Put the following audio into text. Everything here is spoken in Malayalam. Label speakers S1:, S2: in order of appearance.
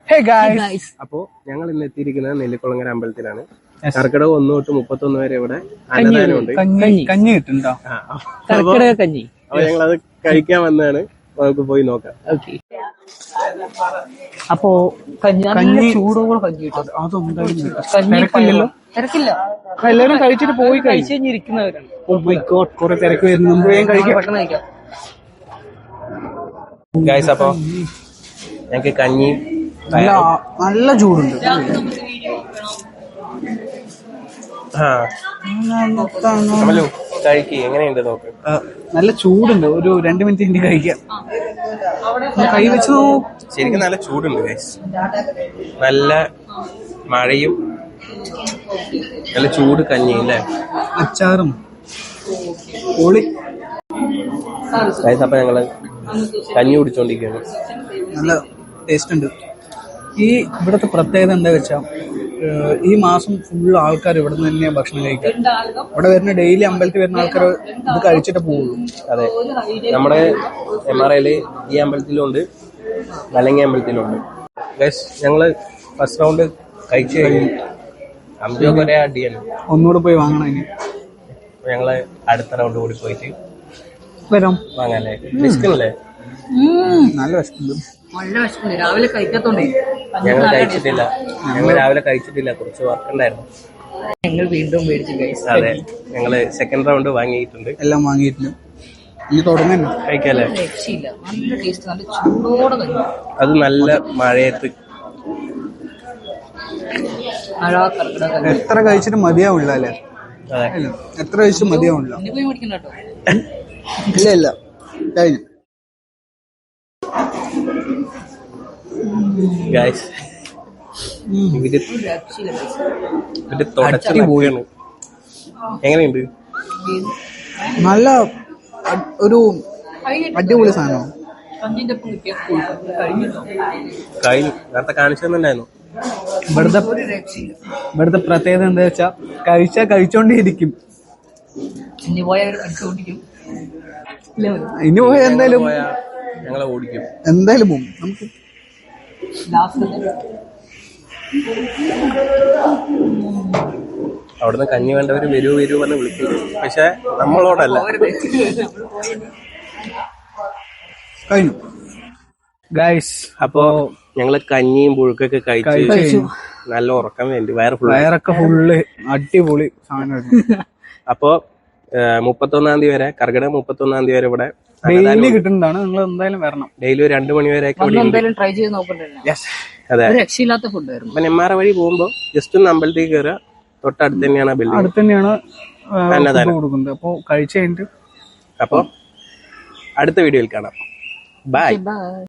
S1: അപ്പോ ഞങ്ങൾ ഇന്ന് എത്തിയിരിക്കുന്നത് നെല്ലിക്കുളങ്ങര അമ്പലത്തിലാണ്. കർക്കിടക 1 തൊട്ട് 31 വരെ ഇവിടെ അന്നദാനമുണ്ട്.
S2: കഞ്ഞി കിട്ടുണ്ടോ? കഞ്ഞി.
S1: അപ്പൊ ഞങ്ങളത് കഴിക്കാൻ വന്നതാണ്. നമുക്ക് പോയി നോക്കാം.
S2: അപ്പോ കഞ്ഞി ചൂടോടെ കഞ്ഞി കിട്ടും. അതൊന്നും തിരക്കില്ല. എല്ലാവരും കഴിച്ചിട്ട് പോയി കഴിച്ചു കഴിഞ്ഞിരിക്കുന്നവരാണ്. കുറെ തിരക്ക് വരുന്നു. പെട്ടെന്ന് കഴിക്കാം.
S1: ഗൈസ്, അപ്പൊ ഞങ്ങക്ക് കഞ്ഞി
S2: നല്ല ചൂടുണ്ട്.
S1: കഴിക്ക്, എങ്ങനെയുണ്ട് നോക്ക്.
S2: നല്ല ചൂടുണ്ട്. ഒരു 2 മിനിറ്റ് കഴിഞ്ഞ് കഴിക്കാം. കൈ വെച്ച്
S1: ശരിക്കും നല്ല ചൂടുണ്ട് ഗൈസ്. നല്ല മഴയും നല്ല ചൂട് കഞ്ഞിയും അല്ലേ,
S2: അച്ചാറും പൊളി.
S1: ഗൈസ്, അപ്പൊ ഞങ്ങള് കഞ്ഞി കുടിച്ചോണ്ടിരിക്കുകയാണ്.
S2: നല്ല ടേസ്റ്റ് ഉണ്ട്. ഈ ഇവിടുത്തെ പ്രത്യേകത എന്താ വെച്ചാൽ ഈ മാസം ഫുള്ള് ആൾക്കാർ ഇവിടെ നിന്ന് തന്നെയാണ് ഭക്ഷണം കഴിക്കുക. ഇവിടെ വരുന്ന ഡെയിലി അമ്പലത്തിൽ വരുന്ന ആൾക്കാർ ഇത് കഴിച്ചിട്ട് പോവുള്ളൂ.
S1: അതെ, നമ്മുടെ MRIയില് ഈ അമ്പലത്തിലുണ്ട്, മലങ്ങി അമ്പലത്തിലുണ്ട്. ഗൈസ്, ഞങ്ങള് ഫസ്റ്റ് റൗണ്ട് കഴിച്ചു കഴിഞ്ഞു. അമ്പലമൊക്കെ ഒരേ അടിയാണ്.
S2: ഒന്നുകൂടെ പോയി വാങ്ങണം. ഇനി
S1: ഞങ്ങള് അടുത്ത റൗണ്ട് കൂടി പോയിട്ട്
S2: വരാം.
S1: വാങ്ങാല്ലേ? വിശക്കണല്ലേ?
S2: നല്ല വിശക്കുണ്ട്.
S3: രാവിലെ കഴിക്കാത്തോണ്ടേ
S1: ഞങ്ങൾ കഴിച്ചിട്ടില്ല. ഞങ്ങൾ രാവിലെ കഴിച്ചിട്ടില്ല, കുറച്ച് വർക്ക് ഉണ്ടായിരുന്നു.
S3: ഞങ്ങൾ വീണ്ടും മേടിച്ചു ഗൈസ്.
S1: അതെ, ഞങ്ങള് സെക്കൻഡ് റൗണ്ട് വാങ്ങിയിട്ടുണ്ട്.
S2: എല്ലാം വാങ്ങിയിട്ടുണ്ട്. ഇനി തുടങ്ങുന്നു.
S1: കഴിക്കാല്ലേ?
S3: രക്ഷയില്ല. നല്ല ടേസ്റ്റ്, നല്ല ചൂടോടെ കഴിക്കും.
S1: അത് നല്ല മഴയത്ത്.
S3: മഴ കർക്കിടക
S2: എത്ര കഴിച്ചിട്ട് മതിയാവില്ല അല്ലേ?
S1: അതെ,
S2: എത്ര കഴിച്ചിട്ട് മതിയാവില്ല.
S3: പോയി മേടിക്കണ്ട കേട്ടോ.
S2: ഇല്ല കഴിഞ്ഞു.
S1: ഗൈസ്, ഇവര് തുടച്ചു പോയാണ്. എങ്ങനെയുണ്ട്?
S2: നല്ല ഒരു അടിപൊളി സാധനം.
S1: കഴിഞ്ഞു. നേരത്തെ കാണിച്ചു തന്നിട്ടുണ്ടായിരുന്നു.
S2: ഇവിടുത്തെ പ്രത്യേകത എന്താ വെച്ചാ കഴിച്ചോണ്ടേയിരിക്കും.
S3: ഇനി
S2: പോയാൽ എന്തായാലും
S1: ഞങ്ങളെ ഓടിക്കും.
S2: എന്തായാലും പോകും. നമുക്ക്
S1: അവിടുന്ന് കഞ്ഞി വേണ്ടവര് വരൂ പറഞ്ഞ് വിളിക്കും. പക്ഷെ നമ്മളോടല്ല.
S2: കഴിഞ്ഞു ഗൈസ്.
S1: അപ്പോ ഞങ്ങള് കഞ്ഞിയും പുഴുക്കൊക്കെ കഴിച്ചു. നല്ല ഉറക്കം വേണ്ടി വയറൊക്കെ ഫുള്ള്
S2: അടിപൊളി സാധനം.
S1: അപ്പോ 31 തീയതി വരെ, കർക്കിടക 31 തീയതി വരെ ഇവിടെ
S2: ഡെയിലി കിട്ടുന്നതാണ്. നിങ്ങൾ എന്തായാലും വരണം.
S1: ഡെയിലി 2 മണി വരെ
S3: ട്രൈ ചെയ്ത് നോക്കണ്ടേ.
S1: അതെ,
S3: രക്ഷയില്ലാത്ത ഫുഡായിരുന്നു.
S1: അപ്പൊ നെമ്മാറ വഴി പോകുമ്പോ ജസ്റ്റ് ഒന്ന് അമ്പലത്തിൽ കയറുക. തൊട്ടടുത്ത് തന്നെയാണ് ബിൽഡിംഗ്.
S2: അടുത്ത് തന്നെയാണ് കൊടുക്കുന്നത്. അപ്പൊ കഴിച്ചു കഴിഞ്ഞിട്ട്
S1: അപ്പൊ അടുത്ത വീഡിയോയിൽ കാണാം. ബൈ.